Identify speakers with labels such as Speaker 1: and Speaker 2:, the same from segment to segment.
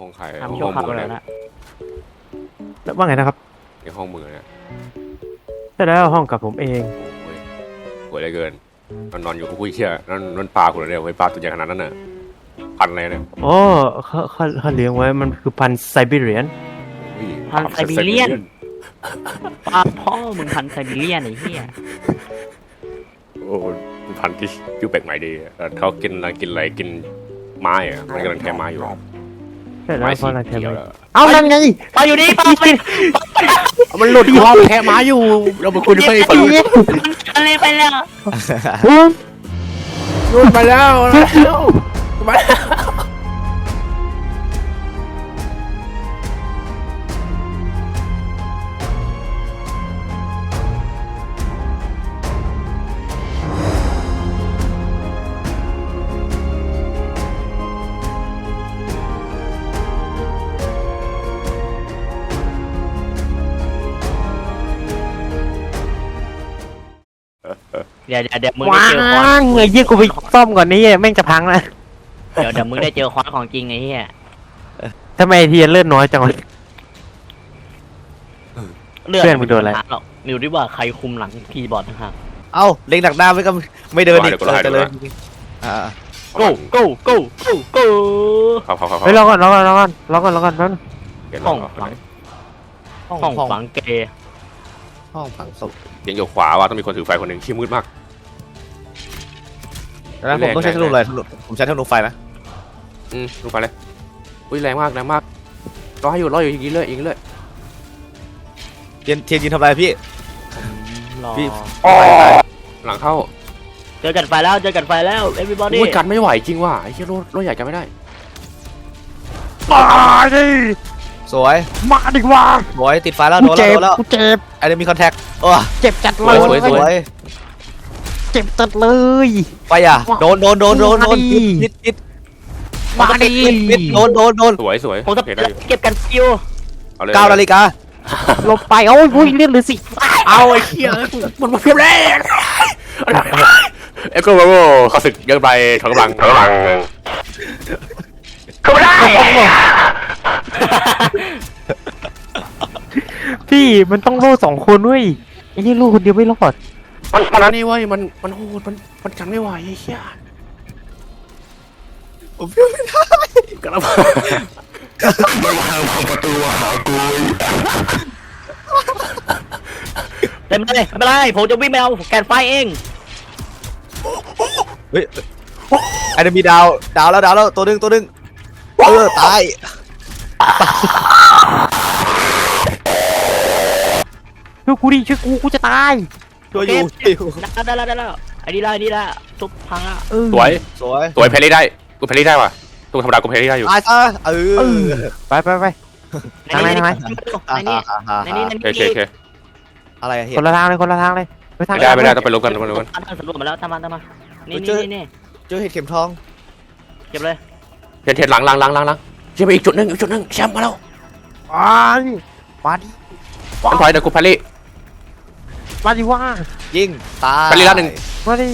Speaker 1: ห้องใคร
Speaker 2: ทำ
Speaker 1: ห้
Speaker 2: ชั่ว
Speaker 1: อง
Speaker 2: คราว
Speaker 1: มือ
Speaker 2: แล้
Speaker 1: เนี่
Speaker 2: วย นะ
Speaker 3: ว่าไงนะครับ
Speaker 1: ในห้องมือเนี่ย
Speaker 3: ใช่แล้วห้องกับผมเอง
Speaker 1: โอ้ยสวยเหลือเกินนอนอยู่กับผู้เชี่ยนั่นปลาคุณเนี่ยไว้ปลาตัวใหญ่ขนาดนั้นน่ะพันอะไรเนี่ย
Speaker 3: อ๋อเขาเลี้ยงไว้มันคือพันธุ์ไซบีเรียน
Speaker 1: อุ้ย
Speaker 2: พันไซบีเรียนปลาพ่อมึงพันไซบีเรียนไอ้เหี้ย
Speaker 1: โอ้พันธุ์ที่ชื่อแปลกใหม่ดีเขากินอะไรกินไม้อะมันกำลังแทะไม้อยู่
Speaker 3: ใช่แล้ว
Speaker 1: ไม้
Speaker 3: เพ
Speaker 1: สี
Speaker 3: ราะอะไรแทน
Speaker 1: เขียว
Speaker 3: ไม
Speaker 1: แล้ว
Speaker 3: เอานั่นไง
Speaker 2: ปลาอยู่นี่ปลาไป
Speaker 1: มันหลุดคอแทะไม้อยู่เราไปคุยด้วยฝั่งนู้น
Speaker 2: อะไรไปแล้ว
Speaker 1: นู่นไปแล้วมา
Speaker 2: เดี๋ยวมึงได้
Speaker 3: ว้า
Speaker 2: เจอคอน
Speaker 3: งไอ้ยี่กูไปซ่อมก่อนนี่แม่งจะพังแล้ว
Speaker 2: เดี๋ยวมึงได้เจอคอนของจริงไอ้เหี้ย
Speaker 3: ทำไมเทียนเลือดน้อยจังวะ
Speaker 2: เลือด
Speaker 3: เพื่อนมึงโดนอะไร
Speaker 2: หรอกมิวดิว่าใครคุมหลังคีย์บอร์ดนะครับ
Speaker 4: เอ้าเล็งดักหน้าไม่ก็ไม่เดินอีกจะเลยอ่า
Speaker 2: go go go go go
Speaker 1: เขา
Speaker 3: เฮ้ยรอก่อนแป๊บนึง
Speaker 2: ห้องฝังห้องฝังเกย์
Speaker 4: ห้องฝังศพ
Speaker 1: ยังอยู่ขวาว่าต้องมีคนถือไฟคนหนึ่งขี้มืดมาก
Speaker 4: แล้วผมต้องใช้ธนูเลยผมใช้ธนูไฟนะ
Speaker 1: ลงไปเลยอุ้ยแรงมากรออยู่อย่างนี้เลย
Speaker 4: เทียนยินทำอะไรพี่
Speaker 2: รอ
Speaker 4: พี่
Speaker 1: หลังเข้า
Speaker 2: เจอกันไฟแล้ว everybody
Speaker 1: อุ้ยกันไม่ไหวจริงว่ะไอ้เหี้ยรถใหญ่กันไม่ได้
Speaker 3: มาดิ
Speaker 4: สวย
Speaker 3: มาดิว่า
Speaker 4: สวยติดไฟแล้ว
Speaker 3: กู
Speaker 4: โดน
Speaker 3: เจ็บ
Speaker 4: แล้ว
Speaker 3: กูเจ็บ
Speaker 4: ไอ้เดมีคอนแทค
Speaker 3: เจ็บจัด
Speaker 1: ส
Speaker 3: เล
Speaker 1: วย
Speaker 3: ย
Speaker 4: สวย
Speaker 3: เจ็บจัดเลย
Speaker 4: ไฟอ่ะโดนพิษ
Speaker 3: มาดิ
Speaker 4: พิษโดน
Speaker 1: สวย
Speaker 2: ผมจะ
Speaker 1: โอเคได้อยู่
Speaker 2: เก็บกันคิว
Speaker 1: เอาเลย
Speaker 4: 9 นาฬิกา
Speaker 3: หลบไปโอ้ยเลือดเหลือสิ
Speaker 1: เอาไอ้เหี้ยมันมาเพียบแรงเอ็กโกโบเขาศึกเยอะไปถอนกำลังเข้าไม่ได้
Speaker 3: พี่มันต้องโล่2 คนเว้ยไอ้นี่โล่คนเดียวไม่รอด
Speaker 1: มันนี่เว้ยมันโหดมันกันไม่ไหวไอ้เหี้ย
Speaker 4: ผมเชื่อไม่ได้
Speaker 1: กระบะ
Speaker 2: เต็มเลยไม่เป็นไรผมจะวิ่งไปเอาแกนไฟเอง
Speaker 4: เฮ้ยไอ้เดมีดาวแล้วตัวนึงตาย
Speaker 3: ช่วยกูดิช่วยกูจะตาย
Speaker 4: ช่วยอยู่
Speaker 2: ได้แล้วไอ้นี่ละทุบพังละ
Speaker 1: สวย
Speaker 4: สวย
Speaker 1: เพลย์ได้กูเพลย์ได้ว่ะตัวธรรมดากูเพลย์ได้อยู่
Speaker 4: ตายซะ
Speaker 3: ไปทางไหน
Speaker 2: ในนี้
Speaker 1: โอเค
Speaker 4: อะไรอะเห็
Speaker 3: คนละทางเลยไปทาง
Speaker 1: ไม่ได้ต้องไปลบกัน
Speaker 2: ทำสำรวจมาแล้วตามมานี่
Speaker 4: เจอเห็ดเข็มทอง
Speaker 2: เก็บเลย
Speaker 1: เทียนหลังเชื่อไปอีกจุดหนึ่งแชมป์มาแล้ว
Speaker 3: มาดิ
Speaker 1: มันถอยเดี๋ยวกูเพลย์
Speaker 3: มาดิว่า
Speaker 4: ยิงตาย
Speaker 1: ไปลีลาหนึ่ง
Speaker 3: มาดิ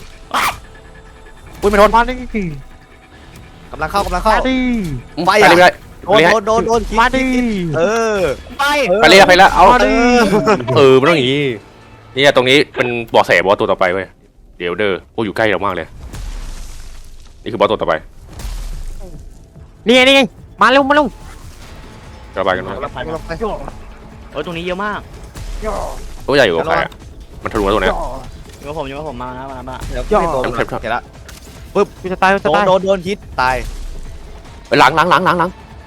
Speaker 1: อุ้ยไม่ทน
Speaker 3: มาดิ
Speaker 4: กำลังเข้า
Speaker 3: มาดิ
Speaker 1: ไปเลยไม่ได้
Speaker 4: โดน
Speaker 3: มาดิ
Speaker 2: ไป
Speaker 1: ไปแล้วเอามันต้องอย่างนี้นี่ตรงนี้เป็นบอสแสบอสตัวต่อไปเว้ยเดี๋ยวเด้อพวกอยู่ใกล้เรามากเลยนี่คือบอสตัวต่อไป
Speaker 3: นี่ไงมาเร็ว
Speaker 1: ระบายกันมา
Speaker 2: โอ้ยตรงนี้เยอะมาก
Speaker 1: ตัวใหญ่อยู่กับใครอ่ะมันทะลุแล้วตัวเนี้ย
Speaker 2: อยู่กับผมมานะ
Speaker 4: เดี๋ยวพี่โดนเห็นละ
Speaker 3: กูจะตาย
Speaker 4: โดนฮิตตาย
Speaker 1: ไปหลัง
Speaker 4: หลังเหรอหลัง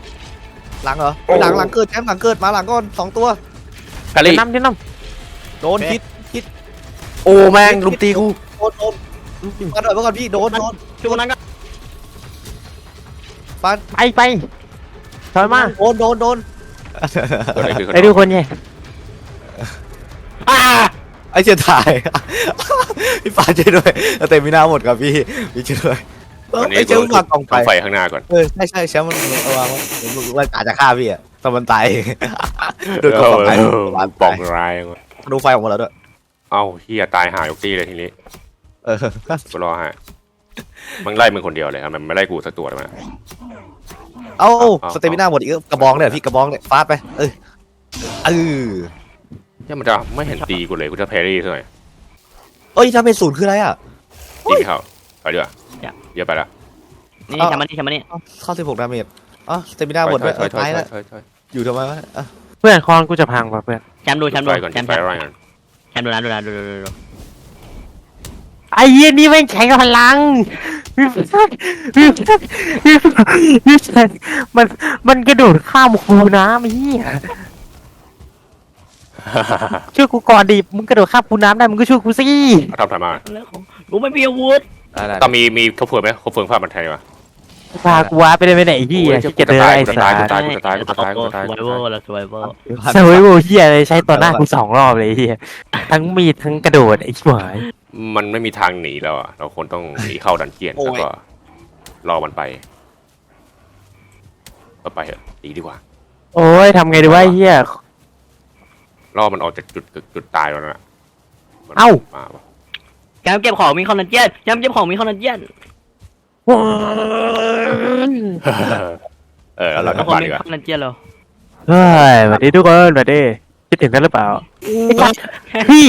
Speaker 4: เกิดแชมป์หลังเกิดมาหลังก่อน2 ตัว
Speaker 1: แพลลี่
Speaker 3: น้ำ
Speaker 4: โดนฮิต
Speaker 1: โอ้แม่งลุมตีกู
Speaker 4: โดนมาหน่อยเมื่อก่อนพี่โดน
Speaker 2: ช่วงนั้นก็
Speaker 4: ฟัน
Speaker 3: ไปถอยมา
Speaker 4: โดน
Speaker 3: ไอ้ดูคนเนี่ย
Speaker 4: ไอ้เชี่ยถ่ายพี่ปาช่วยด้วยเต็มมีหน้าหมดครับพี่ช่วยด้วยไอ้เชี่ยวางกองไฟ
Speaker 1: ไฟข้างหน้าก่อน
Speaker 4: ใช่แชมป์มันวางว่าอาจจะฆ่าพี่อะแต่มันตายโดยกองไฟ
Speaker 1: ปองร้าย
Speaker 4: ดูไฟออกมาแล้วด้วย
Speaker 1: เอ้าเฮียตายหายกตีเลยทีนี้กูรอฮะมันไล่มึงคนเดียวเลยมันไม่ไล่กูสักตัวเลยมั้ย
Speaker 4: เอ้าสเตมิน่าหมดอีกกระบองเนี่ยพี่กระบองเนี่ยฟาดไปเออ
Speaker 1: เนี่ยมันจะไม่เห็นตีกูเลยกูจะแพรี่ซะหน่อย
Speaker 4: เอ้ยถ้าเป็นศูนย์คืออะไรอ่ะ
Speaker 1: ตีไม่เข้าไปดีกว่าเยอะไปละ
Speaker 2: นี่ทำมานี่
Speaker 4: เข้า16 ดาเมจอ๋อสเตมิน่าหมดด้วยตายแล้วอยู่ทำไมวะ
Speaker 3: เพื่อนคอนกูจะพังป่ะเพื่อน
Speaker 2: แชมป์ดู
Speaker 1: ไปก่อนไปอะไรกัน
Speaker 2: แชมป์ดูนะ
Speaker 3: ไอ้เหี้ยนี่แม่งแข็งพลังมันกระโดดข้ามคูน้ำไอ้เหี้ยช่วยกูก่อนดิมึงกระโดดข้ามคูน้ำได้มึงก็ช่วยกูสิ
Speaker 1: ทำมา
Speaker 2: กูไม่มีอาวุธ
Speaker 1: ต้องมีครบเฟิร์มไหมครบเฟิร์มภาพมันไทยวะ
Speaker 3: พากูว้าไปได้ไปไหนที่เก็บเดินไอ้สาร
Speaker 1: ตาย
Speaker 2: สไวเวอร์แล้วสไวเวอร์
Speaker 3: สวยโว้เหี้ยเลยใช้ต่อหน้ากู2 รอบเลยเหี้ยทั้งมีดทั้งกระโดดไอ้ชิบหาย
Speaker 1: มันไม่มีทางหนีแล้วอ่ะเราควรต้องหนีเข้าดันเจียนแล้วก็รอมันไปก็ไปเถอะหนีดีกว่า
Speaker 3: โอ้ยทำไงดีวะเหี้ย
Speaker 1: รอมันออกจากจุดตายแล้วนะ
Speaker 3: เอ้า
Speaker 2: แชมป์เก็บของมีคอนเทนเจียนแชมป์เก็บของมีคอนเทนเจียน
Speaker 1: แล้วเรากลับบ้านดีกว่า
Speaker 2: คอนเทนเจียนเรา
Speaker 3: เฮ้ยสวัสดีทุกคนสวัสดีคิดถึงกันหรือเปล่าพี่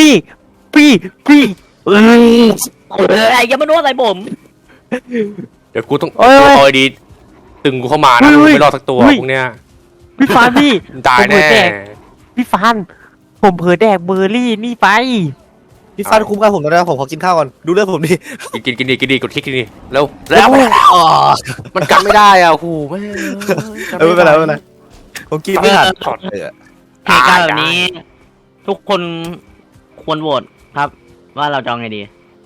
Speaker 2: อย่ามาโน้ใส่ผม
Speaker 1: เดี๋ยวกูต้องเอาดีตึงกูเข้ามานะไม่รอดสักตัวพวกเนี้ย
Speaker 3: พี่ฟานพี่
Speaker 1: ตายแน่
Speaker 3: พี่ฟานผมเผลอแดกเบอร์รี่นี่ไป
Speaker 4: พี่ฟันคุ้มกันผมแล้วนะผมขอกินข้าวก่อนดูเลือดผมดิ
Speaker 1: กินดีกดคลิกนี่แล้วมันกันไม่ได้อ่ะโอ้โหไม่
Speaker 4: ไม่เป็นไรผมกินไม่ทัน
Speaker 2: เหตุการณ์แบบนี้ ทุกคนควรโหวตครับ ว่าเราจะเอาไงดี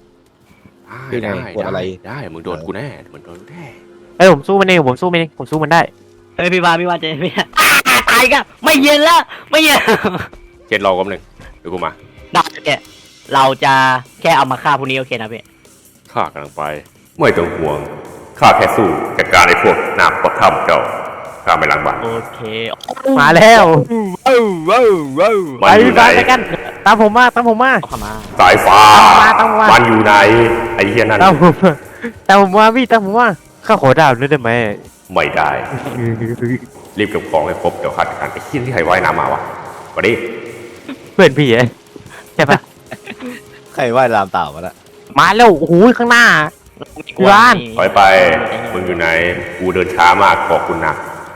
Speaker 1: ได้มึงโดนกูแน่มึงโดนแน่
Speaker 3: ไอ้ผมสู้มันเองผมสู้มันได้
Speaker 2: เฮ้ยพี่วาเจพี่ตายกันไม่เย็นแล้วไม่เย็น
Speaker 1: เจ็ดรอกันหนึ่งเดี๋ยวกูมา
Speaker 2: ได้แกเราจะแค่เอามาฆ่าพวกนี้โอเคนะพี่
Speaker 1: ข้ากำลังไปไม่ต้องห่วงข้าแค่สู้จัดการไอ้พวกหนาปดทำเจ้าข้าไม่ล้างบาป
Speaker 2: โอเค
Speaker 3: มาแล้ว
Speaker 1: มันอยู่ไหน
Speaker 3: ไปกันตามผมมา
Speaker 2: เอาเข้ามา
Speaker 1: สายฟ้า
Speaker 3: ตามมา
Speaker 1: มันอยู่ไหนไอ้เหี้ยนั่น
Speaker 3: ตามผมมาพี่ตามผมมาข้าขอดาวด้วยได้ไหม
Speaker 1: ไม่ได้รีบเก็บของให้ครบเดี๋ยวขาดการไอ้เหี้ยที่ใครว่ายน้ำมาวะมาดิ
Speaker 3: เพื่อนพี่ใช่ปะ
Speaker 4: ใครว่ายตามเต่ามาละ
Speaker 3: มาแล้วโอ้โหข้างหน้า ร้าน
Speaker 1: ถอยไปมึงอยู่ไหนกูเดินช้ามากขอบคุณนะ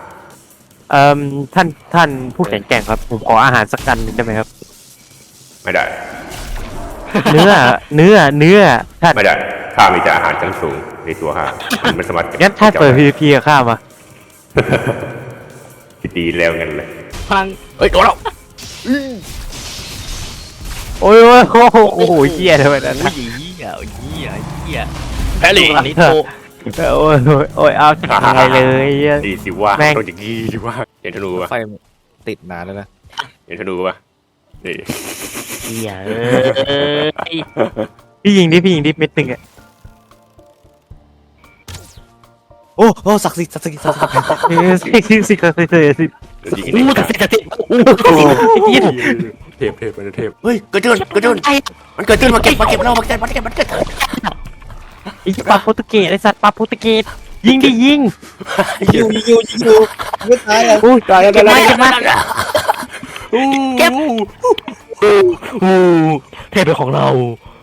Speaker 3: ท่านผู้แข็งแกร่งครับผมขออาหารสักกันได้ไหมครับ
Speaker 1: ไม่ได้
Speaker 3: เนื้อท่าน
Speaker 1: ไม่ได้ข้ามีแต่อาหารชั้นสูงในตัวข้ามันไม่สามารถ
Speaker 3: งั้นท่านเปิด PVP กับข้ามา
Speaker 1: ดีแล้วงั้นเลย
Speaker 2: พลัง
Speaker 1: เฮ้ยโดนแล้ว
Speaker 3: โอ้ยโอ้โหเหี้ยทำไมนั่น
Speaker 2: เหี้ย
Speaker 1: แพรี่
Speaker 2: อันนี้โต
Speaker 3: โอ้ยเอาทำไงเลย
Speaker 1: ดีสิว่า
Speaker 3: แม่ง
Speaker 1: ต้องอย่างนี้สิว่าเห็นธนูป่ะ
Speaker 4: ไฟติดนานแล้วนะ
Speaker 1: เห็นธนูป่ะนี่
Speaker 2: เหี้ย
Speaker 3: พี่ยิงดิเม็ดหนึ่งอ่ะ
Speaker 4: โอ้ศักดิ์สิทธิ์
Speaker 3: สิ
Speaker 1: ยิง
Speaker 2: อู้แต่เสร็จ
Speaker 1: เทพมันเทพเฮ้ยกระเจินมันเกิดขึ้นมาเก็บเรามาเก็บ
Speaker 3: ไอ้ปลาโปรตุเกสไอ้สัตว์ปลาโปรตุเกสยิงดิยิง
Speaker 4: ยิงไม่ตายเลย
Speaker 3: อุ้ยตายแล้ว
Speaker 2: เก็บมาเทพเป็นของเรา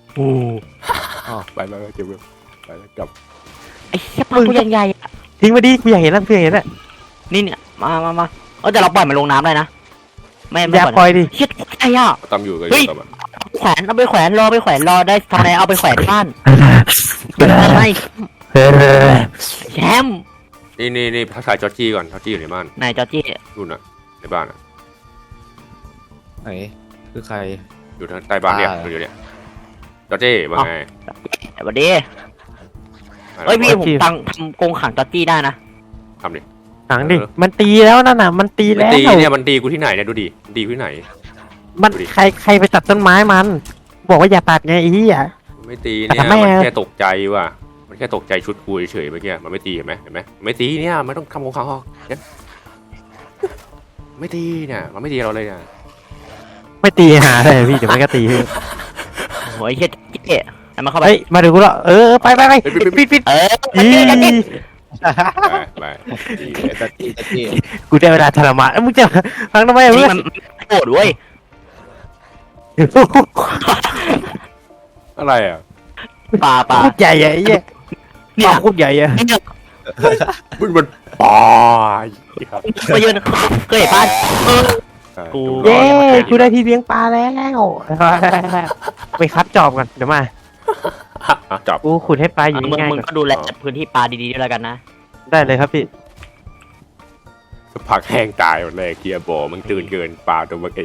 Speaker 1: ไปเก็บไปแล้วกลับ
Speaker 2: ไอ้เหี้ยปลาตัวใหญ่
Speaker 3: ทิ้งมาดิกูอยากเห็นแล้ว
Speaker 2: นี่เนี่ยมาแต่เราปล่อยมันลงน้ำได้นะไม่
Speaker 3: อย่าปล่อยดิ
Speaker 2: เชี่ยไอ้อ่ะ
Speaker 1: ตามอยู่กัน
Speaker 2: แขวนเอาไปแขวนรอได้ทำไมเอาไปแขวนบ้านไม่แชมป์
Speaker 1: นี่ทักทายจอร์จี้ก่อนจอร์จี้อยู่ในบ้าน
Speaker 2: นายจอร์จี้
Speaker 1: นู่นน่ะในบ้านอ่ะ
Speaker 4: ไหนคือใคร
Speaker 1: อยู่ทางใต้บ้านเนี่ยอยู่เนี่ยจอร์จี้ว่าไง
Speaker 2: สวัสดีเฮ้ยพี่ผมทำกรงขังจอร์จี้ได้นะ
Speaker 1: ทำดิ
Speaker 3: หนังดิมันตีแล้วนั่นน่ะมันตีแล้ว
Speaker 1: เนี่ยมันตีกูที่ไหนเนี่ยดูดิดีกูที่ไหน
Speaker 3: มันใครไปตัดต้นไม้มันบอกว่าอย่าตัดไงไอ้เหี้ย
Speaker 1: ไม่ตีเนี่ยมันแค่ตกใจว่ะมันแค่ตกใจชุดกูเฉยๆเมื่อกี้มันไม่ตีเห็นไหมไม่ตีเนี่ยมันต้องทำของเขาเนี่ยไม่ตีเนี่ยมันไม่ตีเราเลยเนี่ย
Speaker 3: ไม่ตีหาเลยพี่เดี๋ยวมันก็ตี
Speaker 2: โอ้ยเชี่ยเจ๊มาเข้าไป
Speaker 3: เฮ้ยมาดูกูแล้วไปปิด
Speaker 2: เออ
Speaker 1: ไปดี
Speaker 4: ตะกี้ตะกี้
Speaker 3: กูได้เวลาทรมานมึงจะฟังทำไม
Speaker 2: จริ
Speaker 3: เพื่
Speaker 2: ง
Speaker 3: อน
Speaker 2: มันโหดเว้ย
Speaker 1: อะไรอ่ะ
Speaker 2: ปลา
Speaker 3: โคตรใหญ่อะไอ้เหี้ย
Speaker 2: เนี่ย
Speaker 3: โคตรใหญ่อะ
Speaker 2: เนี่ย
Speaker 1: มันปอย
Speaker 2: ไปยืนเคยเห็นป่ะกู
Speaker 3: เย้กูได้ที่เลี้ยงปลาแล้วไปคัดจอบกันเดี๋ยวมา
Speaker 1: จับ
Speaker 3: กูขุดให้ปลาอยู่
Speaker 2: มึง
Speaker 3: ง่าย
Speaker 2: มึง
Speaker 3: ๆก่อน
Speaker 2: ก็ดูแลพื้นที่ปลาดีๆด้วยแล้วกันนะ
Speaker 3: ได้เลยครับพี่
Speaker 1: ผักแห้งตายหมดเลยเกียร์บอมึงตื่นเกินปลาตัวเมื่อกี้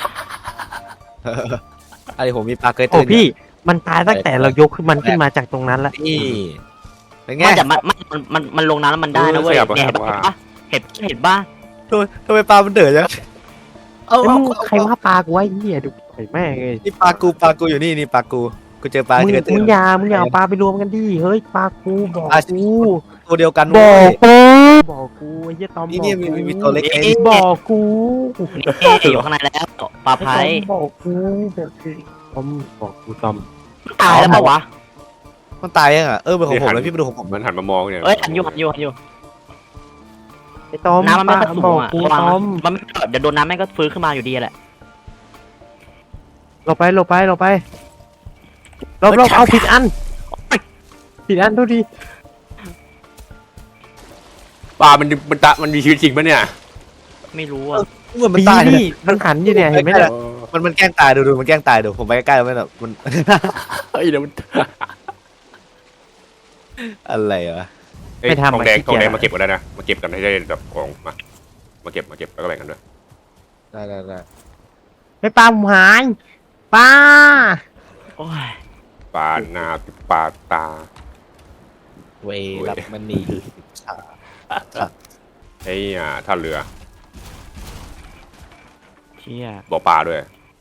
Speaker 4: อะไรผมมีปลาเกย
Speaker 3: โอ้
Speaker 4: ตื่น
Speaker 3: พี่มันตายตั้งแต่เรายกมันขึ้นมาจากตรงนั้นละ
Speaker 4: นี่เป็นไง
Speaker 2: มันจะมันลงน้ำแล้วมันได้นะเว้ยเนี่ยเห็นป่ะเห็นป่ะ
Speaker 4: ทำไมปลามันเดือดจังเอา
Speaker 3: ไอ้มึงใครว่าปลากูไว้เหี้ยดูไอ้แม่งเลย
Speaker 4: นี่ปลากูอยู่นี่นี่ปลากูเจอปลา
Speaker 3: มึง
Speaker 4: เกยตื่
Speaker 3: มึ
Speaker 4: น
Speaker 3: งอย่าเอาปลาไปรวมกันดิเฮ้ยปลากูบอก
Speaker 4: ปลา
Speaker 3: กู
Speaker 4: ตัวเดียวกัน
Speaker 3: บ
Speaker 4: เว้
Speaker 3: อก
Speaker 4: ย
Speaker 3: กูไอ้เหี้ยตอม
Speaker 4: นี่
Speaker 3: บอก
Speaker 4: มีตัวเล็ก
Speaker 3: บอกกู
Speaker 2: นี่อยู่ข้างในแล้วปลาไผ่
Speaker 3: บอกกูตอมบอกกูตอม
Speaker 2: ตายแล้วเปล่าวะ
Speaker 4: มันตายยังอ่ะเป็นของผมแล้วพี่ไปดูของผม
Speaker 1: มันหันมามองเนี่ย
Speaker 2: เอ้ยหันอยู่
Speaker 3: ไอ้ตอม
Speaker 2: น้ำมันไม่กระสู
Speaker 3: บ
Speaker 2: ง
Speaker 3: อก
Speaker 2: อ่ะ
Speaker 3: กู
Speaker 2: ระวัง
Speaker 3: ตอม
Speaker 2: มันไม่เดี๋ยวโดนน้ำแม่งก็ฟื้นขึ้นมาอยู่ดีแหละ
Speaker 3: เราไปเราเอาผิดอันดูดิ
Speaker 1: ปลามันมีชีวิตจริงปะเนี่ย
Speaker 2: ไม่รู้อ่ะ
Speaker 4: เหมือนมัน
Speaker 3: ปี
Speaker 4: ตาย
Speaker 3: นี่มันหันอยู่เนี่ยเห็นไหมเนี่ย
Speaker 4: มันแกล้งตายดูมันแกล้งตายดูผมไปใกล้ๆมันแบบมัน
Speaker 1: เฮ้ยเดี๋ยวมัน
Speaker 4: อะไรวะ
Speaker 1: ทองแดงมาเก็บกันได้นะมาเก็บกันให้ได้แบบของมาเก็บแล้วก็แบ่งกันด้วย
Speaker 4: ได้
Speaker 3: ไม่ปลาหายปลา
Speaker 2: โอ้ย
Speaker 1: ปลาหน้าปลาตา
Speaker 4: เวรับมันนี่
Speaker 1: ไอ้ท่าเรือ
Speaker 2: เชี่ย
Speaker 1: บ่อปลาด้วย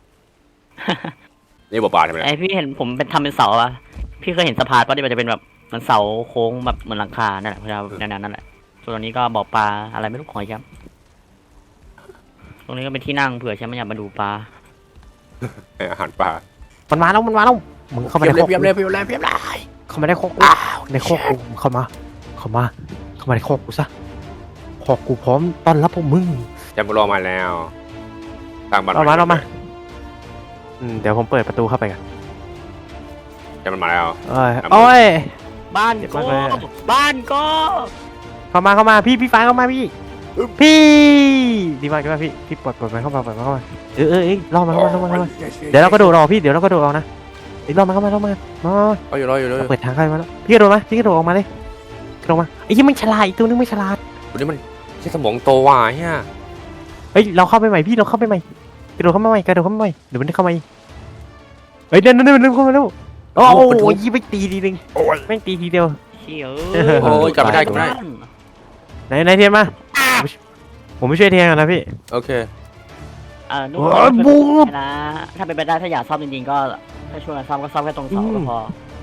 Speaker 1: นี่บ่อปลาใช่ไหม
Speaker 2: ไอพี่เห็นผมทำเป็นเสาอ่ะพี่เคยเห็นสะพานป่ะที่มันจะเป็นแบบมันเสาโค้งแบบเหมือนหลังคานั่นแหละพยายามนั่นแหละส่วนตรงนี้ก็บ่อปลาอะไรไม่รู้ของไอ้แชมป์ตรงนี้ก็เป็นที่นั่งเผื่อแชมป์ไม่อยากมาดูปลา
Speaker 1: อาหารปลา
Speaker 3: มันมาแล้วมึงเข้ามาในโคก
Speaker 1: เพียบเลย
Speaker 3: เข้ามาในโคกกูในโคกกูเข้ามาในโคกกูซะโคกกูพร้อมต้อนรับพวกมึง
Speaker 1: จำรอมาแล้วตามบ้าน
Speaker 3: เรามาเดี๋ยวผมเปิดประตูเข้าไปกัน
Speaker 1: จำมันมาแล้ว
Speaker 3: โอ้ย
Speaker 2: บ้าน
Speaker 3: เจ็บ
Speaker 2: ก็
Speaker 3: มากเลยอะ
Speaker 2: บ้านก็
Speaker 3: เข้ามาพี่ฟ้าเข้ามาพี่ดีมากพี่ปลดมันเข้ามาเรอมันเดี๋ยวเราก็โดดออกพี่เดี๋ยวเราก็โดดออกนะรอมันเข้ามา
Speaker 1: รออยู่เลย
Speaker 3: เปิดทางเข้ามาแล้วพี่กระโดดออกมาเลยกระโดดมาไอ้ยี่มันฉลาดอีกตัวนึงไม่ฉลาด
Speaker 1: วันนี้มันใช้สมองโตว่ะเฮีย
Speaker 3: เฮ้ยเราเข้าไปใหม่พี่เราเข้าไปใหม่กระโดดเข้ามาใหม่เดี๋ยวมันเข้ามาเฮ้ยเดินเข้ามาแล้วโอ้ยยี่ไปตีทีนึงแม่งตีทีเดียว
Speaker 2: เชี่ย
Speaker 1: โอ้ยกลับไม่ได้
Speaker 3: ไหนเทียนมาผมไม่ช่วยเทียนกันนะพี่
Speaker 1: โอเค
Speaker 2: นู่น
Speaker 3: บูม
Speaker 2: นะถ้าเป็นไปได้ถ้าอยากซ่อมจริงๆก็ถ้าช่วยกันซ่อมก็ซ่อมแค่ตรงเสาก็พอ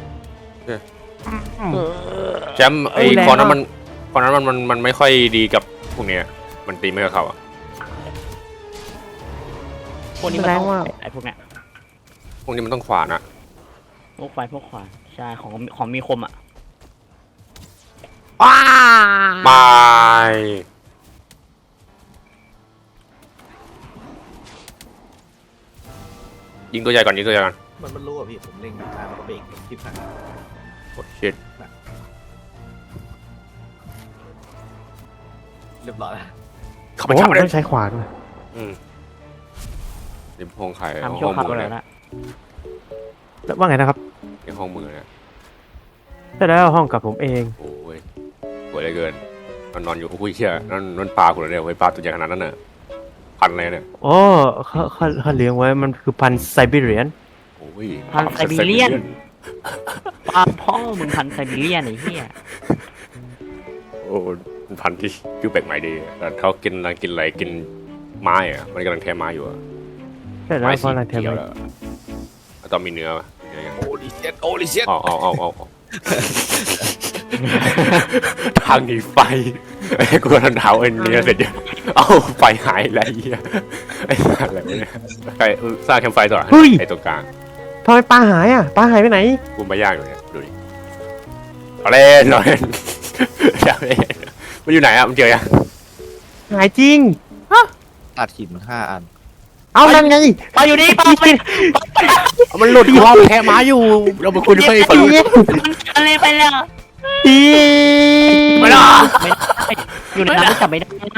Speaker 1: แชมป์ไอ้คอนนั้นมันไม่ค่อยดีกับพวกเนี้ยมันตีไม่กับเขาอ่ะ
Speaker 2: พวกนี้มันต้องไอ้พวกเนี้ย
Speaker 1: พวกนี้มันต้องขวานอ่ะ
Speaker 2: พวกขวานใช่ของมีคมอ่ะ
Speaker 1: ไม่ยิงตัวใหญ่ก่อน
Speaker 4: มันรู้อ่ะพี่ผมเล็งทางมันก็เบรกทิพย์นะ
Speaker 1: โอ้ชิต
Speaker 4: เรียบร้อยแล้ว
Speaker 1: เข้าไป
Speaker 3: โอ้
Speaker 1: จับเลย
Speaker 3: ต้องใช้ขวานด้วย
Speaker 1: ริมห้องไข่
Speaker 2: ทำ
Speaker 1: ห้
Speaker 2: ชั่ว
Speaker 1: อง
Speaker 2: คราว
Speaker 1: มือ
Speaker 2: แล้
Speaker 1: เนี่
Speaker 2: วย นะ
Speaker 3: แล้วว่าไงนะครับ
Speaker 1: ในห้องมือเนี่ย
Speaker 3: ใช่แล้วห้องกับผมเอง
Speaker 1: โอ้ยสวยเหลือเกินนอนอยู่อุ้ยเชี่ยนั่นปลาคุณเนี่ยปลาตัวใหญ่ขนาดนั้นน่ะพันอะไรเนี่ย
Speaker 3: โอ้เขาเลี้ยงไว้มันคือพันธุ์ไซบีเรียน
Speaker 1: โอ้ย
Speaker 2: พันไซบีเรียนปลาพ่อมึงพันไซบีเรียนไอ้เหี้ย
Speaker 1: โอ้พันที่ชื่อแปลกใหม่ดีแต่เขากินอะไรกินไม้อะมันกำลังแทะไม้อยู่อะ
Speaker 3: ใช่แล้ว
Speaker 1: ไม้
Speaker 3: เพ
Speaker 1: สี
Speaker 3: ราะอะไรเทม
Speaker 1: เขียวแล้วตอนมีเนื้อป่ะ
Speaker 4: โอ้ลิเซียน
Speaker 1: เอาทางหนีไฟไอ้กูทันเท้าเอ็นเนี้ยเสร็จเอาไฟหายอะไรเงี้ยไอ้อะไรวะเนี่ยใครสร้างแคมป์ไฟต่อไอ้ตรงกลาง
Speaker 3: ทำไมปลาหายอ่ะปลาหายไปไหน
Speaker 1: กูมาย่างอยู่เนี่ยดูดิเอาเล่นมันอยู่ไหนอะมันเจอยัง
Speaker 3: หายจริง
Speaker 4: ตัดหิน5 อัน
Speaker 3: เอานั่นไง
Speaker 2: ปลาอยู่นี่ปลาไป
Speaker 1: มันหลุดที่ห้องแค่ม้าอยู่ เราไปคุยด้วยฝั่งนู้น
Speaker 2: อะไรไปแล้ว
Speaker 3: พี่
Speaker 1: ไม่ได้
Speaker 2: ไม่ได้อยู่ในน้ำก็จับไม่ได้
Speaker 1: ไม่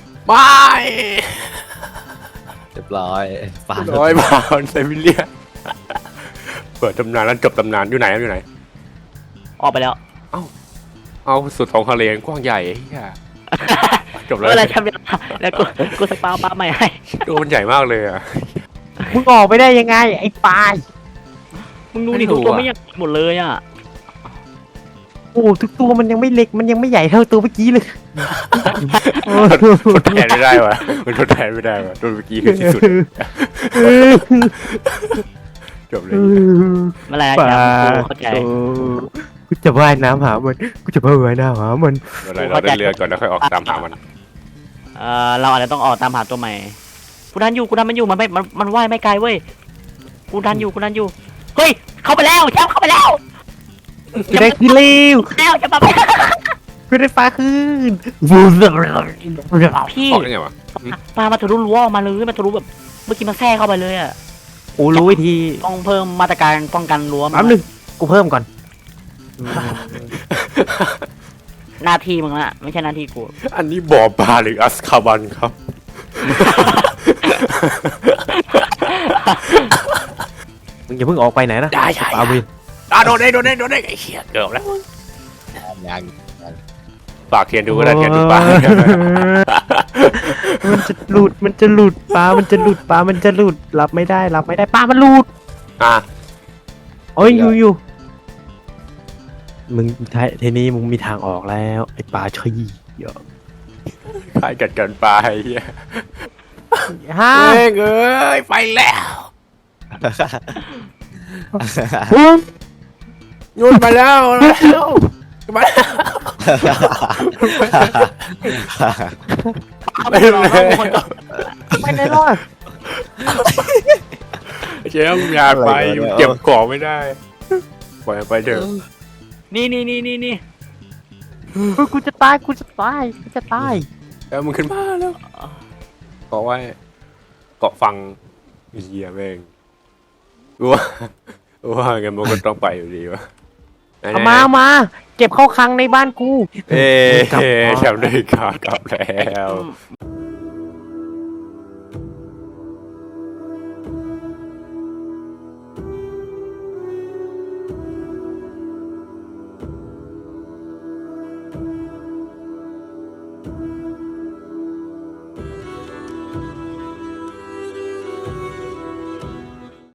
Speaker 4: เรียบร้อยปลา
Speaker 1: ร้อยบาทไซบีเรียเปิดตำนานแล้วจบตำนานอยู่ไหนอยู่ไหน
Speaker 2: ออกไปแล้ว
Speaker 1: เอาสุดท้องทะเลกว้างใหญ่เฮียจบแล้ว
Speaker 2: เมื่อไรทำแล้วกูสปาปลาใหม่ให้
Speaker 1: ตัวมันใหญ่มากเลยอะ
Speaker 3: มึงออกไปได้ยังไงไอ้ปลาย
Speaker 2: มึงดูนี่ทุกตัวไม่อยากหมดเลยอ่ะ
Speaker 3: โอ้ทุกตัวมันยังไม่เล็กมันยังไม่ใหญ่เท่าตัวเมื่อกี้เลยโอ้
Speaker 1: ทดแทนไม่ได้วะมันทดแทนไม่ได้วะตัวเมื่อกี้คือที่สุดจบเลย
Speaker 2: เมื่อไร
Speaker 3: ปลา
Speaker 2: จะเข้าใจ
Speaker 3: กูจะว่ายน้ำหามันกูจะว่ายน้ำหามัน
Speaker 1: เมื่อไรเราได้เรือก่อนแล้วค่อยออกตามหามัน
Speaker 2: เราอาจจะต้องออกตามหาตัวใหม่กูดันอยู่มันไม่มันว่ายไม่ไกลเว้ยกูดันอยู่เฮ้ยเข้าไปแล้วแชมป์เข้าไปแล้ว
Speaker 3: กูได้ขึ้นเร็ว
Speaker 2: แล้วจะมาไป
Speaker 3: กูได้ปลาขึ้น
Speaker 2: พี่
Speaker 1: ออกได้ไงวะ
Speaker 2: ปลามาทะลุรั้วออกมาเลยมาทะลุแบบเมื่อกี้มันแทรกเข้าไปเลยอ่ะ
Speaker 3: โอ้รู้วิธี
Speaker 2: ต้องเพิ่มมาตรการป้องกันรั้ว
Speaker 3: แป๊บนึงกูเพิ่มก่อน
Speaker 2: หน้าที่มึงละไม่ใช่หน้าที่กู
Speaker 1: อันนี้บ่อปลาหรืออัสคาบันครับ
Speaker 3: มึงอย่าเพิ่งออกไปไหนนะ
Speaker 1: ได้
Speaker 3: ปลาวิน
Speaker 1: โดนได้ไอ้เหี้ยเกือบแล้ว
Speaker 4: ยัง
Speaker 1: ฝากเทียนดูก็ได้เทียนดูปลา
Speaker 3: มันจะหลุดปลามันจะหลุดรับไม่ได้ปลามันหลุด
Speaker 1: อ่ะ
Speaker 3: โอ้ยอยู่มึงทีนี้มึงมีทางออกแล้วไอ้ปลาชี้เยอะ
Speaker 1: ใครกัดกันปลาไอ้เหี้ย
Speaker 3: ฮ่า
Speaker 1: เอ้ยไปแล้ว โยนมาแล้วมา
Speaker 2: ไม่รอแล้วคนก็
Speaker 3: ไปไหนรอด
Speaker 1: เจ๊อย่าไปอยู่เก็บของไม่ได้ปล่อยไปเถอะ
Speaker 2: นี่
Speaker 3: กูจะตาย
Speaker 1: แล้วมึงขึ้นมาแล้วเกาะไว้เกาะฟังเฮียแม่งว่าไงมันก็ต้องไปอยู่ดีวะ
Speaker 3: เอามาเก็บเข้าคลังในบ้านกู
Speaker 1: เอ๊ะแชมป์ได้กากลับแล้ว